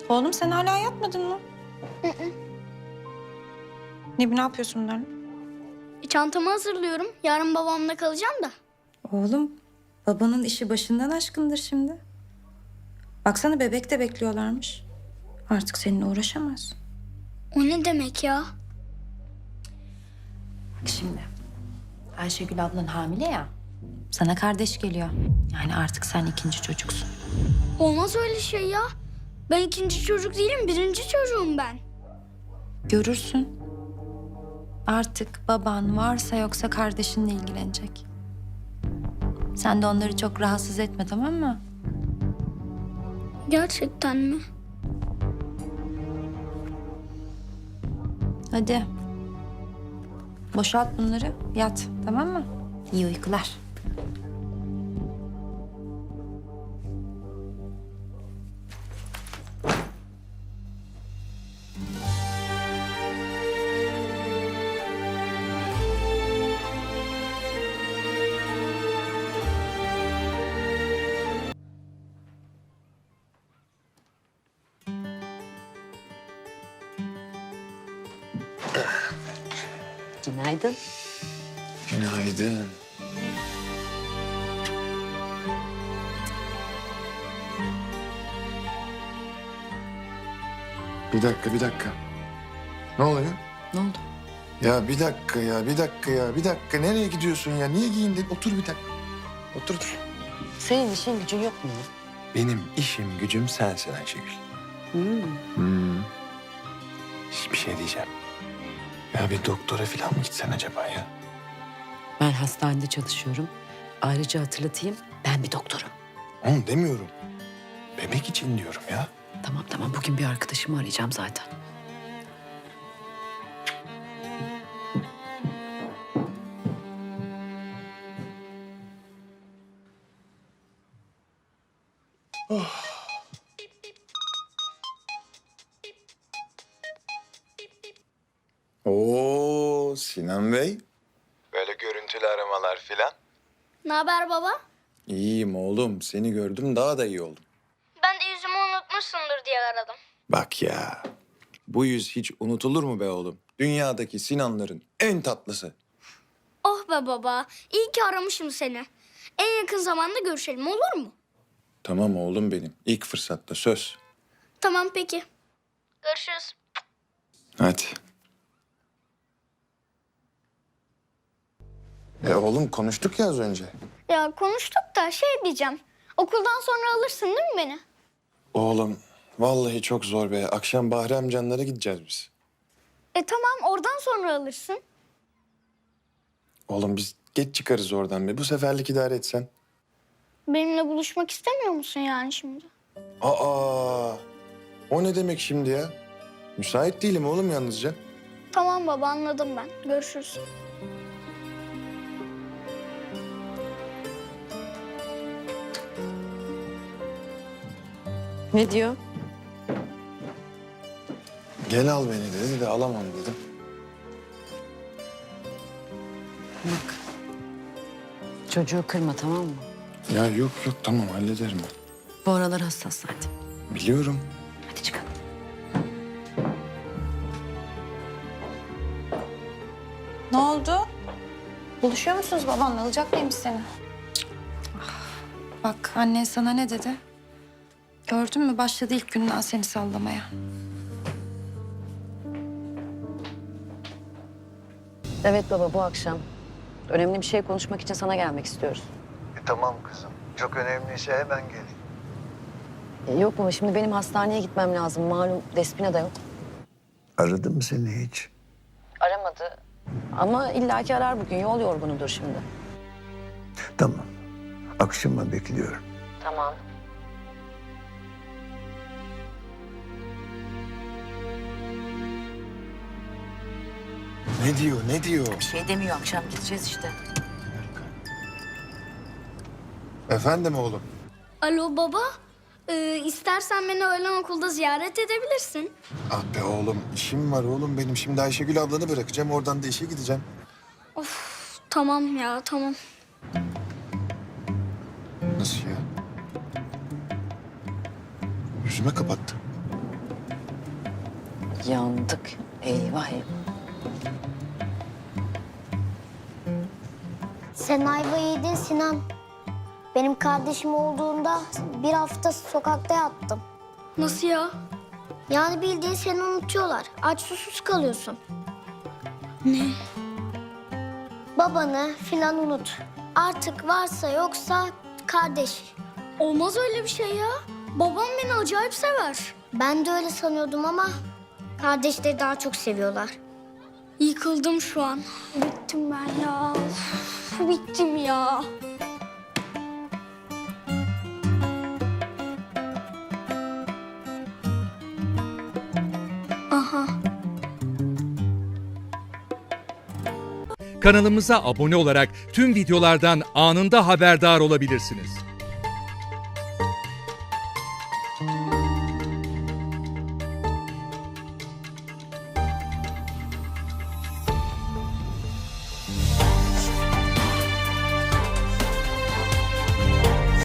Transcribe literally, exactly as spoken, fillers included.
Oğlum sen hala yatmadın mı? Hı hı. Ne, ne yapıyorsun bunlarla? E, çantamı hazırlıyorum. Yarın babamla kalacağım da. Oğlum babanın işi başından aşkındır şimdi. Baksana bebek de bekliyorlarmış. Artık seninle uğraşamaz. O ne demek ya? Şimdi Ayşegül ablan hamile ya. Sana kardeş geliyor. Yani artık sen ikinci çocuksun. Olmaz öyle şey ya. Ben ikinci çocuk değilim, birinci çocuğum ben. Görürsün. Artık baban varsa yoksa kardeşinle ilgilenecek. Sen de onları çok rahatsız etme, tamam mı? Gerçekten mi? Hadi. Boşalt bunları, yat, tamam mı? İyi uykular. Günaydın. Günaydın. Bir dakika, bir dakika. Ne oluyor? Ne oldu? Ya bir dakika ya, bir dakika ya, bir dakika. Nereye gidiyorsun ya? Niye giyindin? Otur bir dakika. Otur. Senin işin gücün yok mu? Benim işim, gücüm sensin Ayşegül. Hmm. Hmm. Bir şey diyeceğim. Ya bir doktora falan mı gitsen acaba ya? Ben hastanede çalışıyorum. Ayrıca hatırlatayım, ben bir doktorum. Onu demiyorum. Bebek için diyorum ya. Tamam tamam, bugün bir arkadaşımı arayacağım zaten. Oo Sinan Bey. Böyle görüntülü aramalar filan. Ne haber baba? İyiyim oğlum. Seni gördüm daha da iyi oldum. Ben de yüzümü unutmuşsundur diye aradım. Bak ya. Bu yüz hiç unutulur mu be oğlum? Dünyadaki Sinanların en tatlısı. Oh be baba, iyi ki aramışım seni. En yakın zamanda görüşelim, olur mu? Tamam oğlum benim. İlk fırsatta söz. Tamam peki. Görüşürüz. Hadi. E oğlum konuştuk ya az önce. Ya konuştuk da şey diyeceğim. Okuldan sonra alırsın değil mi beni? Oğlum vallahi çok zor be. Akşam Bahri amcanlara gideceğiz biz. E tamam, oradan sonra alırsın. Oğlum biz geç çıkarız oradan be. Bu seferlik idare etsen. Benimle buluşmak istemiyor musun yani şimdi? Aa, o ne demek şimdi ya? Müsait değilim oğlum yalnızca. Tamam baba, anladım ben. Görüşürüz. Ne diyor? Gel al beni dedi de alamam dedim. Bak. Çocuğu kırma, tamam mı? Ya yok yok tamam hallederim ben. Bu aralar hassas zaten. Biliyorum. Hadi çıkalım. Ne oldu? Buluşuyor musunuz babanla? Alacak mıymış seni? Ah, bak annen sana ne dedi? Gördün mü? Başladı ilk günden seni sallamaya. Evet baba, bu akşam. Önemli bir şey konuşmak için sana gelmek istiyoruz. E, tamam kızım. Çok önemliyse hemen gelin. E, yok baba, şimdi benim hastaneye gitmem lazım. Malum Despina da yok. Aradı mı seni hiç? Aramadı. Ama illaki arar bugün. Yol yorgunudur şimdi. Tamam. Akşama bekliyorum. Tamam. Ne diyor ne diyor? Bir şey demiyor, akşam gideceğiz işte. Efendim oğlum? Alo baba. Ee, istersen beni öğlen okulda ziyaret edebilirsin. Ah be oğlum işim var oğlum benim. Şimdi Ayşegül ablanı bırakacağım. Oradan da işe gideceğim. Tamam ya, tamam. Nasıl ya? Yüzüme kapattı. Yandık. Eyvah eyvah. Sen ayva yedin Sinan. Benim kardeşim olduğunda bir hafta sokakta yattım. Nasıl ya? Yani bildiğin seni unutuyorlar. Aç susuz kalıyorsun. Ne? Babanı filan unut. Artık varsa yoksa kardeş. Olmaz öyle bir şey ya. Babam beni acayip sever. Ben de öyle sanıyordum ama kardeşleri daha çok seviyorlar. Yıkıldım şu an. Bittim ben ya. Uf, bittim ya. Aha. Kanalımıza abone olarak tüm videolardan anında haberdar olabilirsiniz.